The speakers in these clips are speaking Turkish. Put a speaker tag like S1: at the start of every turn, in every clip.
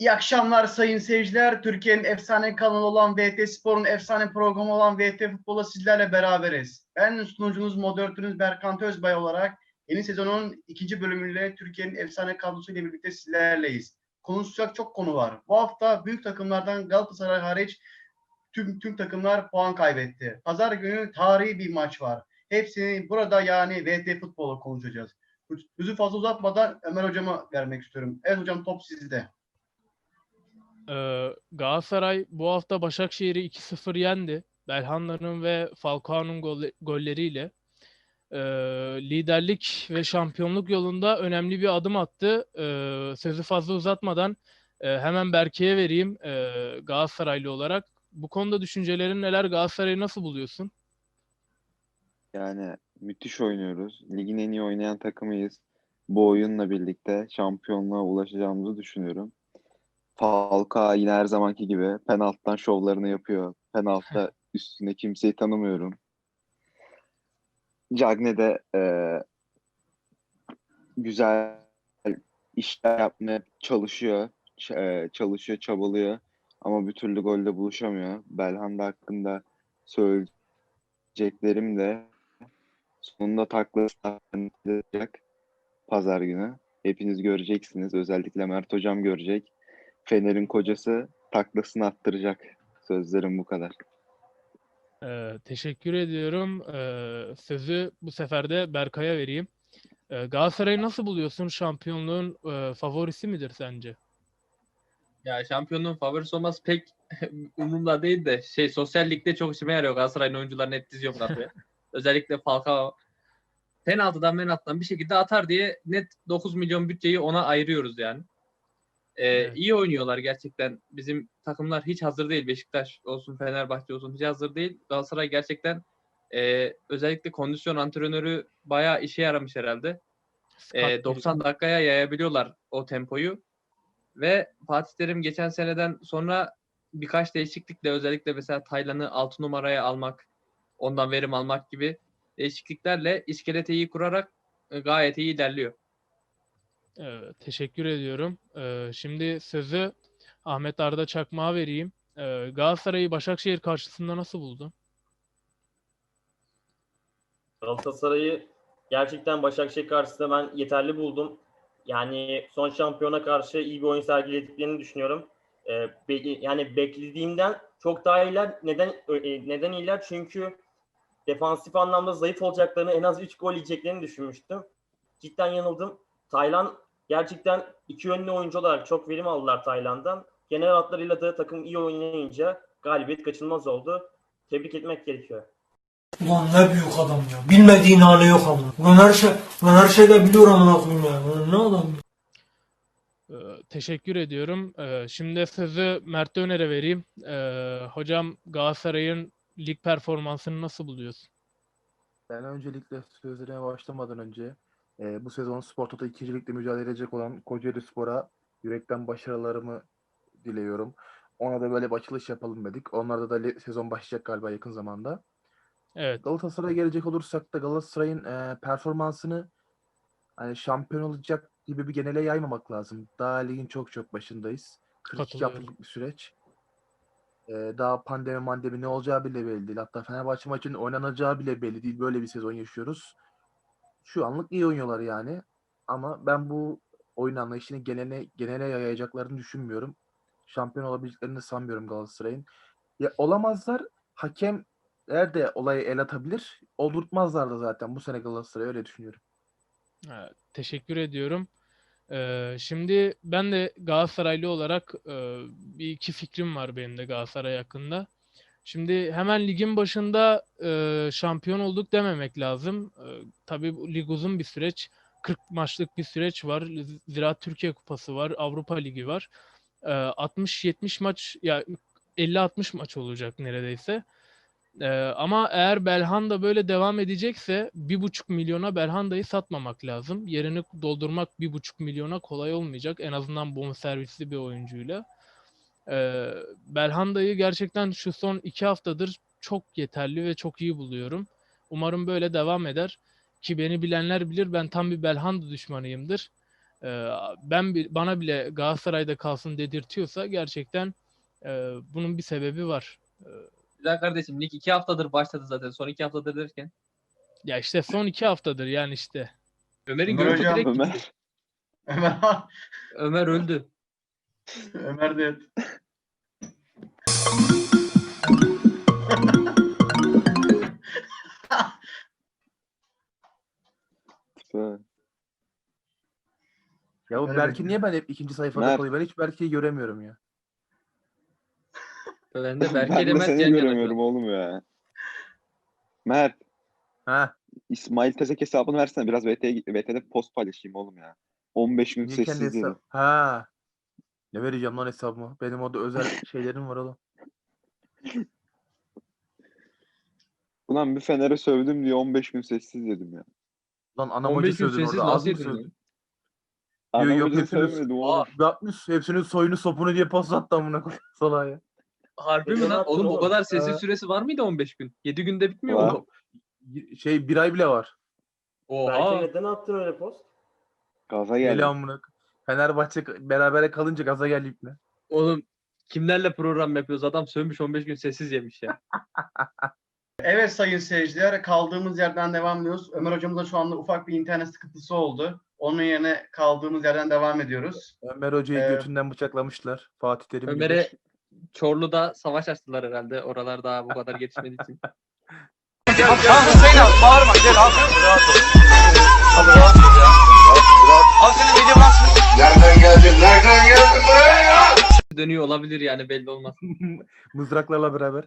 S1: İyi akşamlar sayın seyirciler. Türkiye'nin efsane kanalı olan VT Spor'un efsane programı olan VT Futbol'la sizlerle beraberiz. Ben sunucunuz, moderatörünüz Berkant Özbay olarak yeni sezonun ikinci bölümüyle Türkiye'nin efsane kadrosuyla birlikte sizlerleyiz. Konuşacak çok konu var. Bu hafta büyük takımlardan Galatasaray hariç tüm takımlar puan kaybetti. Pazar günü tarihi bir maç var. Hepsini burada yani VT Futbol'u konuşacağız. Sözü fazla uzatmadan Ömer Hocam'a vermek istiyorum. Evet hocam, top sizde.
S2: Galatasaray bu hafta Başakşehir'i 2-0 yendi. Belhanda'nın ve Falcao'nun golleriyle liderlik ve şampiyonluk yolunda önemli bir adım attı. Sözü fazla uzatmadan hemen Berke'ye vereyim Galatasaraylı olarak. Bu konuda düşüncelerin neler? Galatasaray'ı nasıl buluyorsun?
S3: Yani müthiş oynuyoruz. Ligin en iyi oynayan takımıyız. Bu oyunla birlikte şampiyonluğa ulaşacağımızı düşünüyorum. Falcao yine her zamanki gibi penaltıdan şovlarını yapıyor. Penaltıda üstünde kimseyi tanımıyorum. Cagne de güzel işler yapmaya çalışıyor. Çalışıyor, çabalıyor. Ama bir türlü golle buluşamıyor. Belhanda hakkında söyleyeceklerim de sonunda taklası atacak pazar günü. Hepiniz göreceksiniz. Özellikle Mert Hocam görecek. Fener'in kocası taklasını attıracak. Sözlerim bu kadar.
S2: Teşekkür ediyorum. Sözü bu sefer de Berkay'a vereyim. Galatasaray'ı nasıl buluyorsun? Şampiyonluğun favorisi midir sence?
S4: Ya şampiyonluğun favorisi olması pek umurumda değil de sosyal ligde çok işime yarıyor. Galatasaray'ın oyuncularını hep diziyorum kadroya. Özellikle Falcao penaltıdan bir şekilde atar diye net 9 milyon bütçeyi ona ayırıyoruz yani.
S2: Evet.
S4: İyi oynuyorlar gerçekten. Bizim takımlar hiç hazır değil. Beşiktaş olsun, Fenerbahçe olsun hiç hazır değil. Galatasaray gerçekten özellikle kondisyon antrenörü bayağı işe yaramış herhalde.
S2: Scott
S4: 90 dakikaya yayabiliyorlar o tempoyu. Ve Fatih Terim geçen seneden sonra birkaç değişiklikle özellikle mesela Taylan'ı 6 numaraya almak, ondan verim almak gibi değişikliklerle iskeleti iyi kurarak gayet iyi ilerliyor.
S2: Teşekkür ediyorum. Şimdi sözü Ahmet Arda Çakmak'a vereyim. Galatasaray'ı Başakşehir karşısında nasıl buldun?
S5: Galatasaray'ı gerçekten Başakşehir karşısında ben yeterli buldum. Yani son şampiyona karşı iyi bir oyun sergilediklerini düşünüyorum. Yani beklediğimden çok daha iyiler. Neden iyiler? Çünkü defansif anlamda zayıf olacaklarını, en az 3 gol yiyeceklerini düşünmüştüm. Cidden yanıldım. Taylan gerçekten iki yönlü oyuncu olarak çok verim aldılar Taylan'dan. Genel hatlarıyla da takım iyi oynayınca galibiyet kaçınılmaz oldu. Tebrik etmek gerekiyor.
S6: Ulan ne büyük adam ya. Bilmediğin hali yok ama. Ulan her şeyde biliyor amına koyayım ya. Ulan ne adam ya.
S2: Teşekkür ediyorum. Şimdi sözü Mert Öner'e vereyim. Hocam Galatasaray'ın lig performansını nasıl buluyorsun?
S7: Ben öncelikle sözlerime başlamadan önce bu sezon Spor Toto 2. Lig'de mücadele edecek olan Kocaeli Spor'a yürekten başarılarımı diliyorum. Ona da böyle bir açılış yapalım dedik. Onlarda da sezon başlayacak galiba yakın zamanda.
S2: Evet,
S7: Galatasaray'a gelecek olursak da Galatasaray'ın performansını hani şampiyon olacak gibi bir genele yaymamak lazım. Daha ligin çok başındayız. 42
S2: katılıyorum.
S7: haftalık bir süreç. Daha pandemi ne olacağı bile belli değil. Hatta Fenerbahçe maçının oynanacağı bile belli değil. Böyle bir sezon yaşıyoruz. Şu anlık iyi oynuyorlar yani. Ama ben bu oyun anlayışını genele yayacaklarını düşünmüyorum. Şampiyon olabileceklerini sanmıyorum Galatasaray'ın. Ya olamazlar. Hakemler de olayı el atabilir. Oldurtmazlar da zaten bu sene Galatasaray, öyle düşünüyorum.
S2: Teşekkür ediyorum. Şimdi ben de Galatasaraylı olarak bir iki fikrim var benim de Galatasaray hakkında. Şimdi hemen ligin başında şampiyon olduk dememek lazım. Tabii bu lig uzun bir süreç. 40 maçlık bir süreç var. Ziraat Türkiye Kupası var. Avrupa Ligi var. 60-70 maç ya 50-60 maç olacak neredeyse. Ama eğer Belhanda böyle devam edecekse 1,5 milyona Belhanda'yı satmamak lazım. Yerini doldurmak 1,5 milyona kolay olmayacak. En azından bonservisli bir oyuncuyla. Belhanda'yı gerçekten şu son 2 haftadır çok yeterli ve çok iyi buluyorum. Umarım böyle devam eder. Ki beni bilenler bilir, ben tam bir Belhanda düşmanıyımdır. Bana bile Galatasaray'da kalsın dedirtiyorsa gerçekten bunun bir sebebi var.
S4: Güzel kardeşim, lig 2 haftadır başladı zaten. Son 2 haftadır derken.
S2: Ya işte son 2 haftadır yani işte.
S4: Ömer'in
S1: Ömer
S4: gözü
S1: hocam,
S4: direkt gitti.
S3: Ömer.
S1: Ömer,
S4: Ömer öldü.
S1: Ömer de
S7: Ya bu
S1: Ömer
S7: Berk'i
S1: de-
S7: niye ben hep ikinci sayfada
S3: Mert.
S7: kalıyor? Ben hiç Berk'i göremiyorum ya.
S4: Ben de Berke
S3: Ben
S4: ile
S3: de
S4: Mert
S3: seni
S4: yan yana şu
S3: göremiyorum
S4: an.
S3: oğlum ya. Mert,
S7: Ha,
S3: İsmail Tezek hesabını versene. Biraz VT'de post paylaşayım oğlum ya. 15 gün
S7: niye kendi
S3: sessiz dedi.
S7: hesabı? Ha. Ne vereceğim lan hesabımı? Benim orada özel şeylerim var oğlum.
S3: Ulan bir Fener'e sövdüm diye 15 gün sessiz dedim ya.
S7: Lan anam
S4: 15
S7: hoca
S4: gün
S7: sövdün
S4: sessiz
S7: orada. Az
S4: nasıl
S7: mı
S4: yedin lan?
S7: sövdün?
S3: Anam
S7: yok,
S3: hoca
S7: hepsini-
S3: sövmedim oğlum.
S7: Yapmış. Hepsinin soyunu sopunu diye pas attı amına koyayım salağa ya.
S4: Harbi mi
S5: Neden
S4: lan?
S5: attın
S4: Oğlum o
S5: oğlum?
S4: kadar sessiz
S7: Ha.
S4: süresi var mıydı 15 gün? 7 günde bitmiyor
S3: Var.
S4: mu?
S7: Bir ay bile var.
S5: Belki
S4: Oha.
S5: neden attın öyle post?
S3: Gaza
S7: Deli
S3: geldim.
S7: amına koyayım. Fenerbahçe berabere kalınca gaza geldi ipne.
S4: Oğlum kimlerle program yapıyoruz? Adam sövmüş 15 gün sessiz yemiş ya.
S1: Evet sayın seyirciler, kaldığımız yerden devam ediyoruz. Ömer hocamızda şu anda ufak bir internet sıkıntısı oldu. Onun yerine kaldığımız yerden devam ediyoruz.
S7: Ömer Hoca'yı
S1: Ee,
S7: götünden bıçaklamışlar. Fatih Terim gibi.
S4: Ömer'e Çorlu'da savaş açtılar herhalde. Oralar daha bu kadar gelişmediği için. Dönüyor olabilir yani, belli olmaz.
S7: Mızraklarla beraber.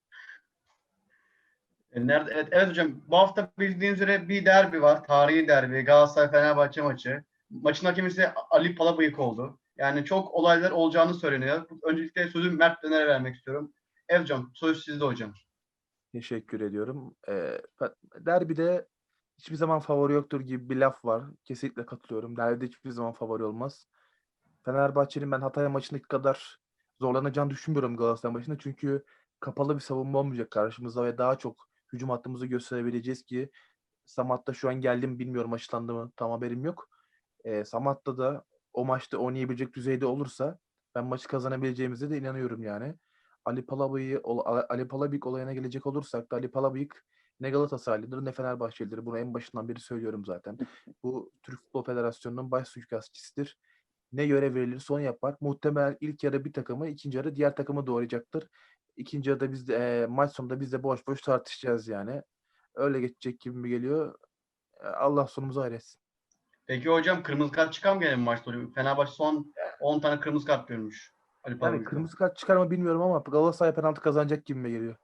S1: Nerede? Evet hocam, bu hafta bildiğiniz üzere bir derbi var. Tarihi derbi. Galatasaray-Fenerbahçe maçı. Maçın hakemi ise Ali Palabıyık oldu. Yani çok olaylar olacağını söyleniyor. Öncelikle sözü Mert Döner'e vermek istiyorum. Evet hocam, söz sizde hocam.
S7: Teşekkür ediyorum. Derbide hiçbir zaman favori yoktur gibi bir laf var. Kesinlikle katılıyorum. Derbide hiçbir zaman favori olmaz. Fenerbahçe'nin ben Hatay maçındaki kadar zorlanacağını düşünmüyorum Galatasaray maçında. Çünkü kapalı bir savunma olmayacak karşımızda ve daha çok hücum hattımızı gösterebileceğiz ki Samatta şu an geldi mi bilmiyorum, açıklandı mı tam haberim yok. Samatta da o maçta oynayabilecek düzeyde olursa ben maçı kazanabileceğimize de inanıyorum yani. Ali Palabıyık olayına gelecek olursak da Ali Palabıyık ne Galatasaraylıdır ne Fenerbahçelidir. Bunu en başından beri söylüyorum zaten. Bu Türk Futbol Federasyonu'nun baş suikastçisidir. Ne görev verilirse onu yapar. Muhtemelen ilk yarı bir takımı, ikinci yarı diğer takımı doğrayacaktır. İkinci yarıda biz de maç sonunda biz de boş boş tartışacağız yani. Öyle geçecek gibi mi geliyor? Allah sonumuzu hayretsin.
S1: Peki hocam, kırmızı kart çıkan mı gene bu maçta? Fenerbahçe son 10 tane kırmızı kart görmüş. Ali
S7: Yani
S1: Palabıyık'ta.
S7: kırmızı kart çıkar mı bilmiyorum ama Galatasaray penaltı kazanacak gibi mi geliyor?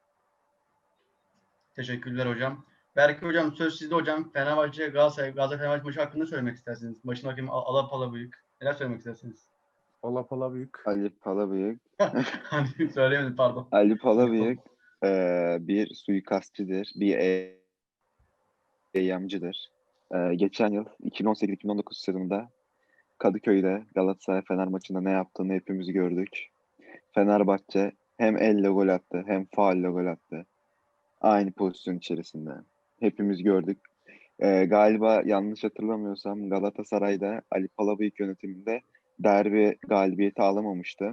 S1: Teşekkürler hocam. Berke hocam, söz sizde hocam. Galatasaray Fenerbahçe maçı hakkında söylemek istersiniz. Maçın hakemi Ali Palabıyık. Neler söylemek istersiniz?
S7: Allah Palabıyık.
S3: Ali Palabıyık.
S1: Hani söyleyemedim, pardon.
S3: Ali Palabıyık bir suikastçıdır. Bir eyyamcıdır. Geçen yıl 2018-2019 sezonunda Kadıköy'de Galatasaray Fener maçında ne yaptığını hepimiz gördük. Fenerbahçe hem elle gol attı hem faulle gol attı. Aynı pozisyon içerisinde. Hepimiz gördük. Galiba yanlış hatırlamıyorsam Galatasaray'da Ali Palabıyık yönetiminde derbi galibiyeti alamamıştı.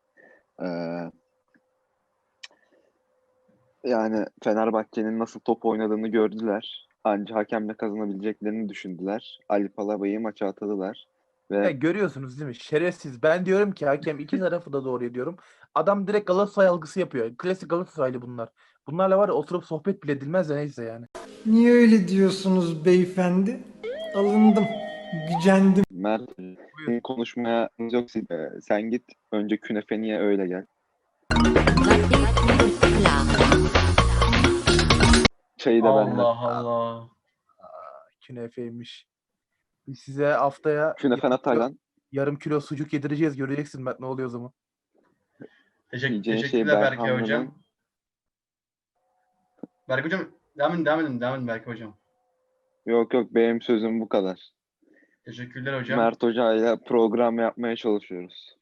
S3: Yani Fenerbahçe'nin nasıl top oynadığını gördüler. Ancak hakemle kazanabileceklerini düşündüler. Ali Palabıyık'ı maça atadılar.
S7: Ya
S3: Ve
S7: görüyorsunuz değil mi? Şerefsiz. Ben diyorum ki hakem iki tarafı da doğru diyorum. Adam direkt Galatasaray algısı yapıyor. Klasik Galatasaraylı bunlar. Bunlarla var ya oturup sohbet bile edilmez de neyse yani.
S6: Niye öyle diyorsunuz beyefendi? Alındım, gücendim.
S3: Mert konuşmaya yok. Sen git önce künefeni ye öyle gel. Çayı da benden.
S1: Allah Allah.
S7: Künefeymiş. Biz size haftaya
S3: Künefen Ataylan.
S7: yarım kilo sucuk yedireceğiz. Göreceksin Mert ne oluyor o zaman.
S3: Yiyeceğin şey
S1: Teşekkürler Berke
S3: Berhanlı'nın.
S1: hocam. Berke hocam, devam edin Berke hocam.
S3: Yok benim sözüm bu kadar.
S1: Teşekkürler hocam.
S3: Mert Hoca ile program yapmaya çalışıyoruz.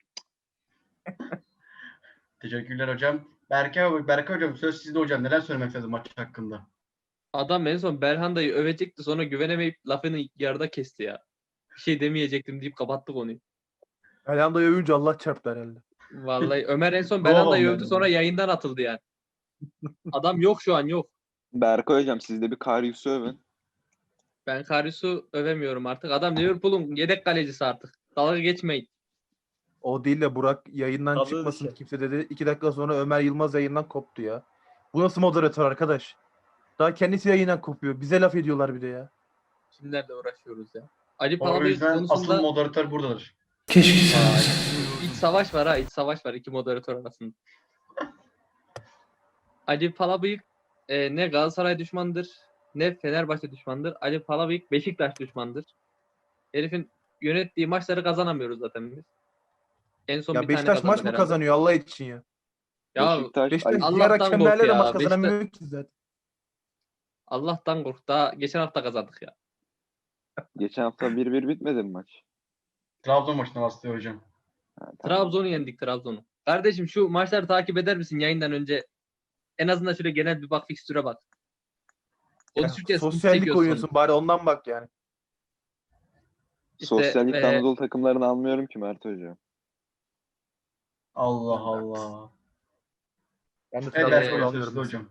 S1: Teşekkürler hocam. Berke hocam, söz sizde hocam. Neler söylemek istersiniz maç hakkında?
S4: Adam en son Berhanda'yı övecekti, sonra güvenemeyip lafını yarıda kesti ya. bir şey demeyecektim deyip kapattı konuyu.
S7: Elhanda'yı övünce Allah çarptı herhalde.
S4: Vallahi Ömer en son
S1: Doğal
S4: Belanda'yı övdü
S1: olmadı.
S4: sonra yayından atıldı yani. Adam yok şu an yok.
S3: Berkay hocam siz de bir Karius'u övün.
S4: Ben Karius'u övemiyorum artık. Adam Liverpool'un yedek kalecisi artık. Dalga geçmeyin.
S7: O değil de Burak yayından
S5: Tadı
S7: çıkmasın
S5: dışı.
S7: kimse dedi. 2 dakika sonra Ömer Yılmaz yayından koptu ya. Bu nasıl moderatör arkadaş? Daha kendisi yayından kopuyor. Bize laf ediyorlar bir de ya.
S4: Kimlerle uğraşıyoruz ya. Ali
S1: O
S4: Palabıyık
S1: yüzden asıl
S4: konusunda
S1: moderatör buradadır.
S6: Keşke sen
S4: Aa,
S6: olsaydın.
S4: iç savaş var ha. İç savaş var iki moderatör arasında. Ali Palabıyık ne Galatasaray düşmandır ne Fenerbahçe düşmandır. Ali Palabıyık Beşiktaş düşmandır. Herifin yönettiği maçları kazanamıyoruz zaten biz. En son
S7: Ya
S4: bir tane
S7: Beşiktaş maç
S4: kazandık
S7: mı
S4: herhalde.
S7: kazanıyor Allah için ya?
S4: Ya
S3: Beşiktaş,
S7: Beşiktaş
S3: Ali,
S7: diğer
S4: Allah'tan kork
S7: hakemlerle de
S4: ya.
S7: maç kazanamıyor ki zaten.
S4: Allah'tan kork. Daha geçen hafta kazandık ya.
S3: geçen hafta 1-1 bitmedi mi maç?
S1: Trabzon maçına bastı hocam.
S3: Ha, tamam.
S4: Trabzon'u yendik Trabzon'u. Kardeşim şu maçları takip eder misin yayından önce? En azından şöyle genel bir bak fikstüre bak.
S7: Ya,
S4: Konuşurken sıkıntı
S7: sosyallik
S4: çekiyorsun.
S7: oynuyorsun bari ondan bak yani.
S4: İşte,
S3: Sosyallikte Anadolu takımlarını almıyorum ki Mert Hoca.
S1: Allah
S7: Ben de
S1: Allah.
S7: Ben de
S1: Evet
S7: Trabzonspor
S1: Berkay
S7: alıyorum.
S1: sözlü hocam.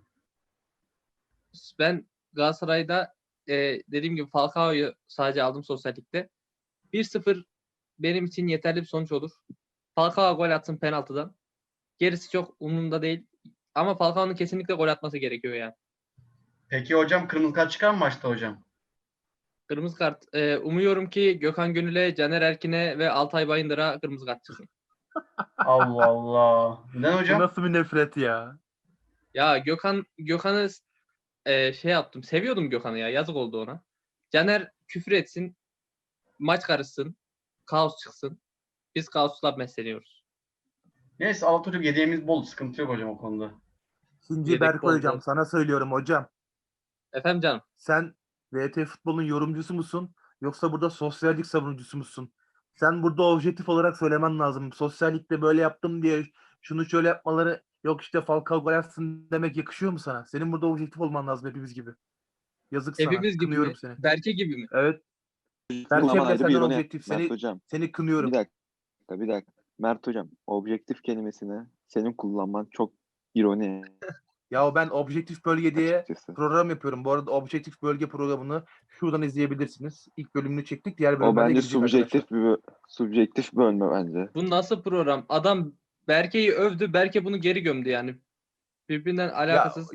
S4: ben Galatasaray'da dediğim gibi Falcao'yu sadece aldım sosyallikte. 1-0 benim için yeterli bir sonuç olur. Falcao gol atsın penaltıdan. Gerisi çok umurumda değil. Ama Falcao'nun kesinlikle gol atması gerekiyor yani.
S1: Peki hocam kırmızı kart çıkar mı maçta hocam?
S4: Kırmızı kart. Umuyorum ki Gökhan Gönül'e, Caner Erkin'e ve Altay Bayındır'a kırmızı kart çıksın.
S1: Allah Allah. Neden
S7: Bu
S1: hocam?
S7: nasıl bir nefret ya?
S4: Ya Gökhan'ı şey yaptım. Seviyordum Gökhan'ı ya. Yazık oldu ona. Caner küfür etsin. Maç karışsın. Kaos çıksın. Biz kaosla besleniyoruz.
S1: Neyse Alaturk hediyemiz bol. Sıkıntı yok hocam o konuda.
S7: Şimdi
S4: Yedek
S7: Berkay hocam
S4: boldu.
S7: sana söylüyorum hocam.
S4: Efendim canım.
S7: Sen VT Futbol'un yorumcusu musun? Yoksa burada sosyallik savunucusu musun? Sen burada objektif olarak söylemen lazım. Sosyallikte böyle yaptım diye şunu şöyle yapmaları yok işte Falcao gol atsın demek yakışıyor mu sana? Senin burada objektif olman lazım hepimiz gibi. Yazık sana.
S4: Hepimiz gibi
S7: Kınıyorum
S4: mi?
S7: seni.
S4: Berke gibi mi?
S7: Evet.
S3: Ama
S7: Berke bile
S3: ayrı bir
S7: senden
S3: ironi.
S7: objektif.
S3: Mert Hocam.
S7: Seni kınıyorum.
S3: Bir dakika. Mert Hocam, objektif kelimesini senin kullanman çok ironi
S7: Ya ben objektif bölge diye
S3: açıkçası.
S7: program yapıyorum. Bu arada objektif bölge programını şuradan izleyebilirsiniz. İlk bölümünü çektik. Diğer
S3: O
S7: bölümlerde
S3: bence
S7: gidecek arkadaşlar.
S3: subjektif bölme bence.
S4: Bu nasıl program? Adam Berke'yi övdü. Berke bunu geri gömdü yani. Birbirinden alakasız.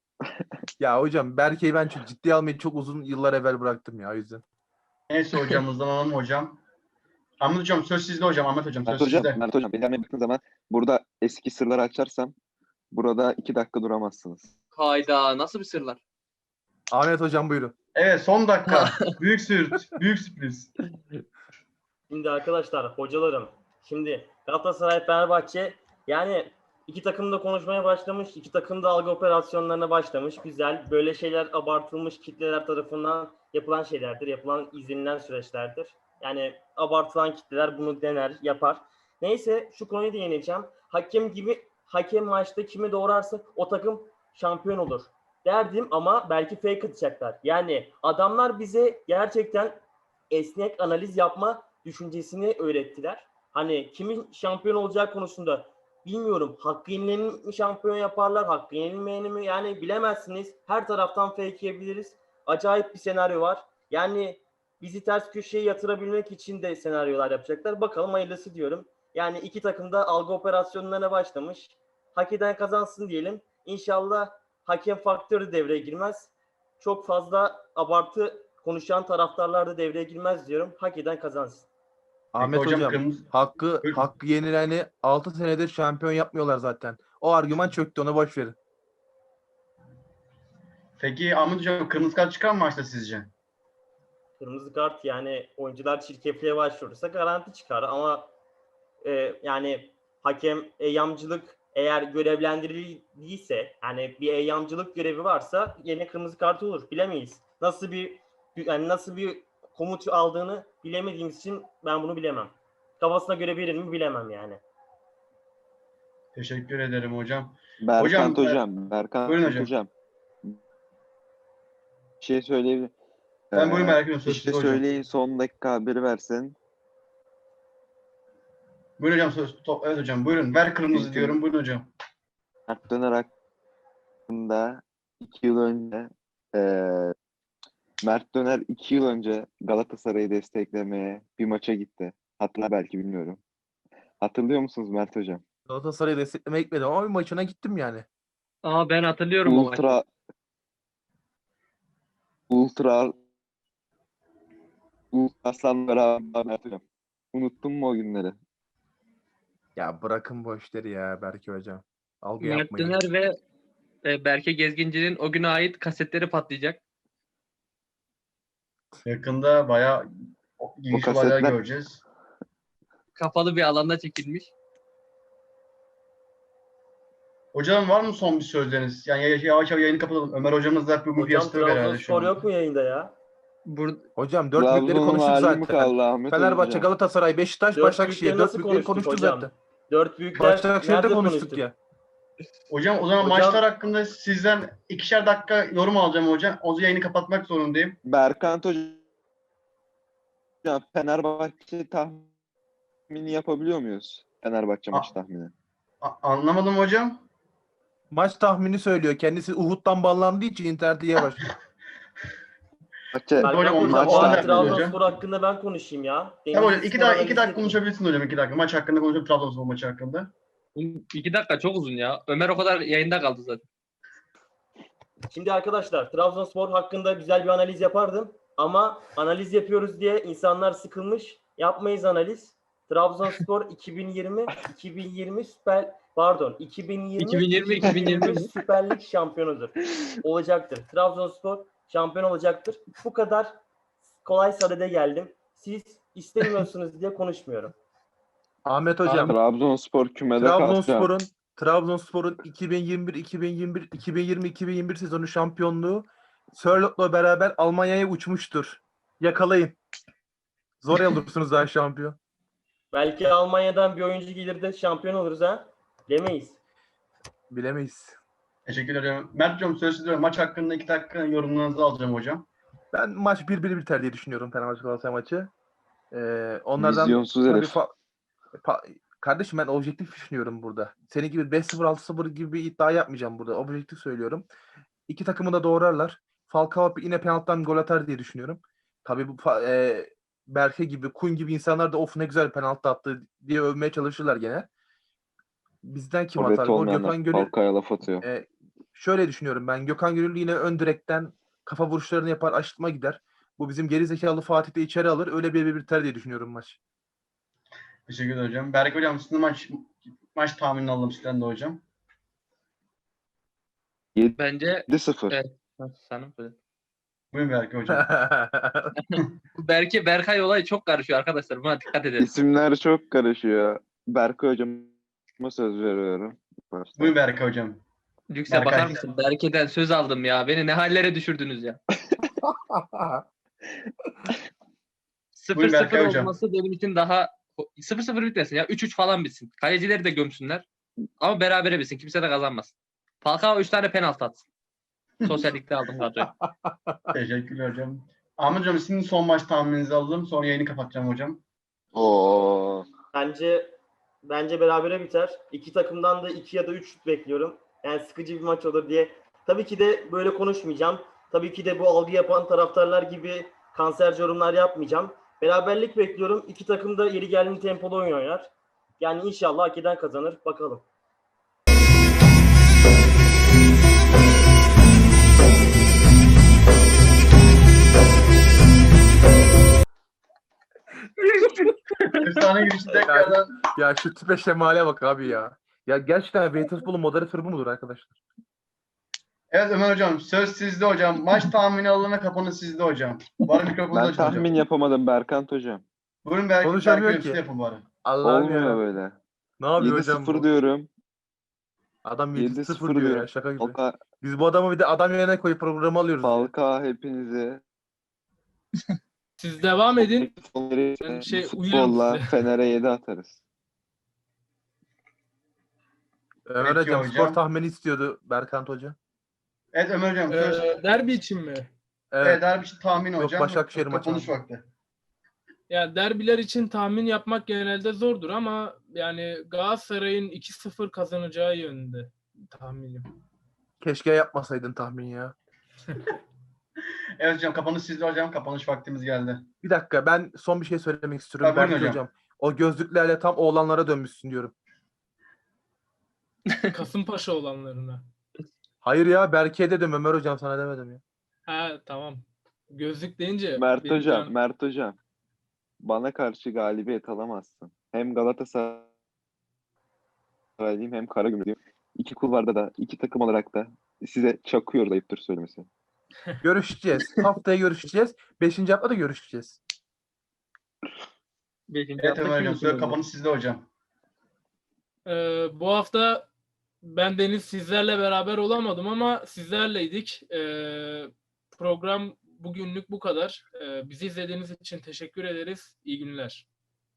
S7: Ya hocam Berke'yi ben çok ciddiye almayı çok uzun yıllar evvel bıraktım ya o yüzden.
S1: Neyse hocamızdan alalım hocam. Ahmet hocam söz sizde hocam. Ahmet hocam söz sizde.
S3: Mert Hocam, benim baktığın zaman burada eski sırları açarsam burada 2 dakika duramazsınız.
S4: Hayda nasıl bir sırlar?
S7: Ahmet hocam buyurun.
S1: Evet son dakika. Büyük büyük sürpriz.
S5: Şimdi arkadaşlar, hocalarım. Şimdi Galatasaray, Fenerbahçe yani iki takım da konuşmaya başlamış. İki takım da algı operasyonlarına başlamış. Güzel. Böyle şeyler abartılmış kitleler tarafından yapılan şeylerdir. Yapılan izlenilen süreçlerdir. Yani abartılan kitleler bunu dener, yapar. Neyse şu konuyu da yeneceğim. Hakem maçta kimi doğrarsa o takım şampiyon olur derdim ama belki fake atacaklar. Yani adamlar bize gerçekten esnek analiz yapma düşüncesini öğrettiler. Hani kimin şampiyon olacağı konusunda bilmiyorum. Hakkı yenileni mi şampiyon yaparlar, hakkı yenilmeyeni mi? Yani bilemezsiniz. Her taraftan fake yiyebiliriz. Acayip bir senaryo var. Yani bizi ters köşeye yatırabilmek için de senaryolar yapacaklar. Bakalım hayırlısı diyorum. Yani iki takım da algı operasyonlarına başlamış. Hak eden kazansın diyelim. İnşallah hakem faktörü devreye girmez. Çok fazla abartı konuşan taraftarlar da devreye girmez diyorum. Hak eden kazansın.
S7: Ahmet hocam
S1: kırmızı...
S7: hakkı yenileni 6 senedir şampiyon yapmıyorlar zaten. O argüman çöktü, ona boş verin.
S1: Peki Ahmet hocam kırmızı kart çıkar mı maçta sizce?
S5: Kırmızı kart yani oyuncular çirkefliğe başvurursa garanti çıkar ama yani hakem eyyamcılık eğer görevlendirildiyse yani bir eyyamcılık görevi varsa yine kırmızı kart olur. Bilemeyiz. Nasıl bir komut aldığını bilemediğimiz için ben bunu bilemem. Kafasına göre verir mi bilemem yani.
S1: Teşekkür ederim hocam.
S3: Berkant
S1: Hocam, buyurun hocam.
S3: hocam. Bir şey söyleyebilirim.
S1: Ben buyurun merak ediyorum.
S3: Bir
S1: Söz
S3: şey
S1: sizde hocam.
S3: söyleyin, son dakika haberi versin.
S1: Buyurun hocam. Evet hocam. Buyurun. Ver kırmızı
S3: Çünkü-
S1: diyorum. Buyurun hocam.
S3: Mert Döner hakkında 2 yıl önce Mert Döner 2 yıl önce Galatasaray'ı desteklemeye bir maça gitti. Hatırlar belki, bilmiyorum. Hatırlıyor musunuz Mert Hocam?
S7: Galatasaray'ı desteklemeye gitmedim ama bir maçına gittim yani.
S4: Aa, ben hatırlıyorum o maçı.
S3: Ultra Aslan beraber Mert Hocam. Unuttun mu o günleri?
S7: Ya bırakın bu işleri ya Berke hocam. Algı
S4: Mert
S7: yapmayın.
S4: Döner ve Berke Gezginci'nin o güne ait kasetleri patlayacak.
S1: Yakında bayağı ilginç
S3: O
S1: olaylar
S3: kasetler-
S1: göreceğiz.
S4: Kapalı bir alanda çekilmiş.
S1: Hocam var mı son bir sözleriniz? Yani yavaş yavaş yayını kapatalım. Ömer hocamız da bir
S5: Hocam
S1: yastığı herhalde şu
S5: Trabzonspor
S1: an.
S5: yok mu yayında ya?
S7: Hocam dört büyükleri
S3: Trabzon'un
S7: konuştuk
S3: hali mi
S7: zaten.
S3: kaldı Ahmet
S7: Fenerbahçe,
S3: Hocam?
S7: Galatasaray, Beşiktaş,
S5: Dört
S7: Başakşehir.
S5: büyükleri
S7: Dört
S5: nasıl
S7: büyükleri
S5: konuştuk
S7: konuştuk
S5: hocam?
S7: zaten.
S5: Dört büyükler
S7: Başakşehir'de
S5: nerede
S7: konuştuk ya.
S1: Hocam o zaman
S5: Hocam-
S1: maçlar hakkında sizden 2'şer dakika yorum alacağım hocam. O yayını kapatmak zorundayım.
S3: Berkant Hocam, Fenerbahçe tahmini yapabiliyor muyuz? Fenerbahçe maç tahmini.
S1: Anlamadım hocam.
S7: Maç tahmini söylüyor. Kendisi Uhud'dan bağlandığı için interneti yavaş.
S3: Maçı,
S1: Hocam,
S5: Berkan
S1: onu
S5: hocam,
S1: da-
S5: o
S1: onu da
S5: halde
S1: yapıyoruz hocam.
S5: Trabzonspor hakkında ben konuşayım ya.
S1: Tamam hocam
S5: Denizli
S1: 2
S5: Spor
S1: dakika,
S5: analizi yapayım.
S1: konuşabilirsin hocam 2 dakika. Maç hakkında konuşalım. Trabzonspor maçı hakkında.
S4: 2 dakika çok uzun ya. Ömer o kadar yayında kaldı zaten.
S5: Şimdi arkadaşlar Trabzonspor hakkında güzel bir analiz yapardım. Ama analiz yapıyoruz diye insanlar sıkılmış. Yapmayız analiz. Trabzonspor 2020 Süper Lig şampiyonudur. Olacaktır. Trabzonspor şampiyon olacaktır. Bu kadar kolay sadede geldim. Siz istemiyorsunuz diye konuşmuyorum.
S7: Ahmet hocam,
S3: Trabzonspor kümede kalacak.
S7: Trabzonspor'un 2021 sezonu şampiyonluğu Sörlot'la beraber Almanya'ya uçmuştur. Yakalayın. Zor olursunuz daha şampiyon.
S5: Belki Almanya'dan bir oyuncu gelir de şampiyon oluruz ha. Demeyiz.
S7: Bilemeyiz.
S1: Teşekkür ederim. Mert hocam söz sizde. Maç hakkında 2 dakika yorumlarınızı alacağım hocam.
S7: Ben maç 1-1 biter diye düşünüyorum Fenerbahçe Galatasaray maçı. Onlardan
S3: Vizyonsuz
S7: tabii
S3: herif.
S7: kardeşim ben objektif düşünüyorum burada. Senin gibi 5-0 6-0 gibi bir iddia yapmayacağım burada. Objektif söylüyorum. İki takımı da doğrarlar. Falcao yine penaltıdan gol atar diye düşünüyorum. Tabii bu Berke gibi, Kun gibi insanlar da of ne güzel penaltı attı diye övmeye çalışırlar gene. Bizden kim
S3: Forvet
S7: atar? Gol
S3: olmayanlar
S7: Gökhan Gönül.
S3: Falcao'ya laf atıyor.
S7: Şöyle düşünüyorum ben. Gökhan Gönül yine ön direkten kafa vuruşlarını yapar, aşırtma gider. Bu bizim geri zekalı Fatih de içeri alır. Öyle bir biter diye düşünüyorum maç.
S1: Teşekkür ederim hocam. Berk hocam sizin maç tahminini alalım sizden de hocam.
S4: Bence
S3: 7-0.
S4: Evet. Sana söyle.
S1: Buyurun Berk hocam.
S4: Bu Berkay olayı çok karışıyor arkadaşlar. Buna dikkat edelim.
S3: İsimler çok karışıyor. Berke Hocam'a söz veriyorum. Başta.
S1: Buyurun Berk hocam.
S4: Yüksel
S1: Berkay.
S4: bakar mısın? Berke'den söz aldım ya. Beni ne hallere düşürdünüz ya.
S1: Buyurun Berkay
S4: 0-0
S1: hocam.
S4: olması benim için daha 0-0 bitmesin ya. 3-3 falan bitsin. Kalecileri de gömsünler. Ama berabere bitsin. Kimse de kazanmasın. Falcao 3 tane penaltı atsın. Sosyal Lig'de aldım kadroyu.
S1: Teşekkürler hocam. Ahmet hocam sizin son maç tahmininizi alalım. Sonra yayını kapatacağım hocam.
S3: Oo.
S5: Bence berabere biter. İki takımdan da 2 ya da 3 bekliyorum. Yani sıkıcı bir maç olur diye. Tabii ki de böyle konuşmayacağım. Tabii ki de bu algı yapan taraftarlar gibi kanserci yorumlar yapmayacağım. Beraberlik bekliyorum. İki takım da yeri geldiğinde tempolu oyun oynar. Yani inşallah hak eden kazanır. Bakalım.
S1: Efsane girişi tekrardan.
S7: Ya şu tipe şemale bak abi ya. Ya gerçekten Beytezbol'un moderatörü bu mudur arkadaşlar?
S1: Evet Ömer hocam söz sizde hocam. Maç tahmini alalım ve kapanış sizde hocam. Var mikrofonunuz
S3: Ben
S1: açın hocam.
S3: tahmin yapamadım Berkant Hocam.
S1: Buyurun Berk
S7: Konuşamıyor
S1: hocam
S7: ki.
S1: siz yapın bari.
S7: Allah'ım
S3: Olmuyor
S7: ya.
S3: böyle.
S7: Ne yapıyor hocam
S3: 7-0
S7: bu?
S3: diyorum.
S7: Adam
S3: 7-0
S7: 7-0 diyor
S3: diyorum.
S7: ya şaka gibi.
S3: Falcao,
S7: Biz bu adamı bir de adam yerine koyup programı alıyoruz. ya.
S3: Falcao hepinizi
S2: Siz devam edin. Ben
S3: bu
S2: uyuyorum
S3: futbolla
S2: size.
S3: Fener'e 7 atarız.
S7: Ömer
S1: Peki
S7: hocam
S1: hocam.
S7: skor tahmini istiyordu Berkant Hoca.
S1: Evet Ömer hocam söz.
S2: Derbi için mi?
S1: Evet, derbi için tahmin
S7: Yok,
S1: hocam.
S7: Başakşehir maçı
S1: Kapanış
S7: abi.
S1: vakti.
S2: Ya derbiler için tahmin yapmak genelde zordur ama yani Galatasaray'ın 2-0 kazanacağı yönünde tahminim.
S7: Keşke yapmasaydın tahmin ya.
S1: Evet hocam, kapanış sizde hocam. Kapanış vaktimiz geldi.
S7: Bir dakika, ben son bir şey söylemek istiyorum.
S1: Tabii, buyurun
S7: Berke
S1: hocam.
S7: hocam. O gözlüklerle tam oğlanlara dönmüşsün diyorum.
S2: Kasımpaşa olanlarına.
S7: Hayır ya, Berke'ye dedim, Ömer hocam sana demedim ya.
S2: Ha tamam. Gözlük deyince
S3: Mert
S2: benim
S3: hocam,
S2: can-
S3: Mert hocam. Bana karşı galibiyet alamazsın. Hem Galatasaraylıyım hem Karagümrüklüyüm. İki kulvarda da, iki takım olarak da size çakıyoruz, ayıptır söylemesi.
S7: Görüşeceğiz. Haftaya görüşeceğiz. 5. hafta da görüşeceğiz.
S4: 5.
S1: Evet Ömer hocam. Söyle, kapanış sizde hocam.
S2: Bu hafta ben Deniz sizlerle beraber olamadım ama sizlerleydik. Program bugünlük bu kadar. Bizi izlediğiniz için teşekkür ederiz. İyi günler.